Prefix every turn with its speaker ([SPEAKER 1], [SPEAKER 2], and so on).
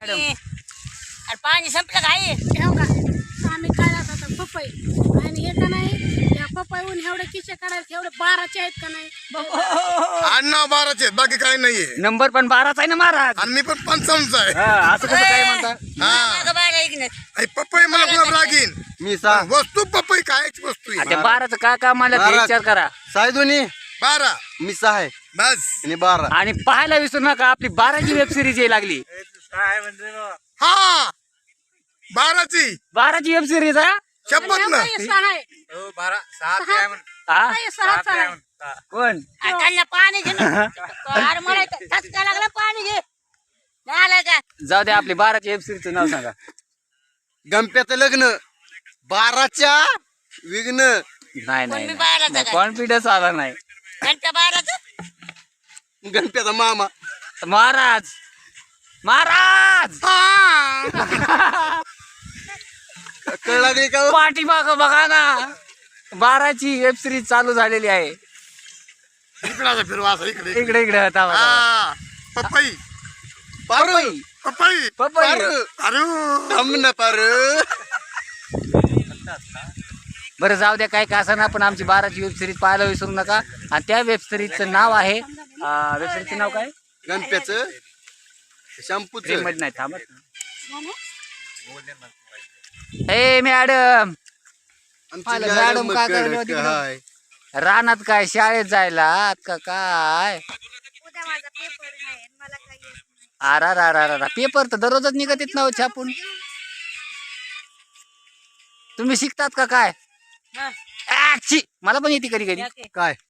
[SPEAKER 1] अरे पाणी संपलं काय
[SPEAKER 2] ठेव का आम्ही काय आता पपई आणि हे का नाही या पपईहून एवढे किशे काढायचे एवढे 12चे आहेत का नाही
[SPEAKER 3] आडनाव 12चे बाकी काही नाहीये
[SPEAKER 4] नंबर पण 12चा आहे ना महाराज.
[SPEAKER 3] आणि मी पण 55चा आहे.
[SPEAKER 4] असं कसं काय म्हणता?
[SPEAKER 3] हा
[SPEAKER 1] बाहेर ऐकण्यात
[SPEAKER 3] आणि पपई मला गुलाब लागीन
[SPEAKER 5] मी सा
[SPEAKER 3] वस्तू पपई कायच वस्तू आहे.
[SPEAKER 4] त्या 12चं काय काम मला ते
[SPEAKER 5] महाराज.
[SPEAKER 4] विचार करा.
[SPEAKER 5] सायदोनी
[SPEAKER 3] 12
[SPEAKER 5] मी 6 आहे
[SPEAKER 3] बस
[SPEAKER 5] आणि 12
[SPEAKER 4] आणि पाहायला विसरू नका आपली 12ची वेब सिरीज यायला लागली.
[SPEAKER 3] हा 12ची
[SPEAKER 4] 12ची वेब सिरीज हा
[SPEAKER 3] शपथ ना
[SPEAKER 2] सहा आहे
[SPEAKER 4] हा?
[SPEAKER 2] हे सहाच आहे
[SPEAKER 4] कोण
[SPEAKER 1] त्यांना पाणी घे ना. अरे मला ठसका लागला पाणी घे झालं का
[SPEAKER 4] जाऊ दे आपली 12ची वेब सिरीजचं नाव सांगा.
[SPEAKER 5] गणप्याचं लग्न 12च्या विघ्न
[SPEAKER 4] नाही
[SPEAKER 1] कोण मी बाहेर
[SPEAKER 4] नाही
[SPEAKER 1] आता काय?
[SPEAKER 4] कॉन्फिडन्स आला नाही.
[SPEAKER 1] घंटा बाहेरच
[SPEAKER 5] गणप्याचा मामा
[SPEAKER 4] महाराज महाराज
[SPEAKER 5] कळ लागली का हो?
[SPEAKER 4] पाठीमाग बघा ना 12ची वेब सिरीज चालू झालेली आहे.
[SPEAKER 3] इकडे फिरवा असं इकडे
[SPEAKER 4] इकडे इकडे होता
[SPEAKER 3] हा पपई
[SPEAKER 5] पारू
[SPEAKER 3] पपई
[SPEAKER 4] पपई
[SPEAKER 5] पारू
[SPEAKER 3] अरे
[SPEAKER 5] थांब ना पारू
[SPEAKER 4] बरं जाऊ द्या काय का असं ना पण आमची 12ची वेब सिरीज पाहायला विसरू नका. आणि त्या वेब सिरीजचं नाव आहे वेब सिरीजचं नाव काय
[SPEAKER 5] गणप्याचं शॅम्पूचं
[SPEAKER 4] मध्ये नाही थांबत ए मॅडम
[SPEAKER 5] आमची
[SPEAKER 4] आलं,
[SPEAKER 5] मॅडम
[SPEAKER 4] मॅडम काय
[SPEAKER 5] कडक
[SPEAKER 4] करायला तिकडं?
[SPEAKER 5] हाय.
[SPEAKER 4] रानात काय शाळेत जायला का काय अरा पेपर तर दररोजच निघत येत ना छापून. तुम्ही शिकतात का काय?
[SPEAKER 1] हा.
[SPEAKER 4] छी, मला पण येते कधी कधी.
[SPEAKER 5] काय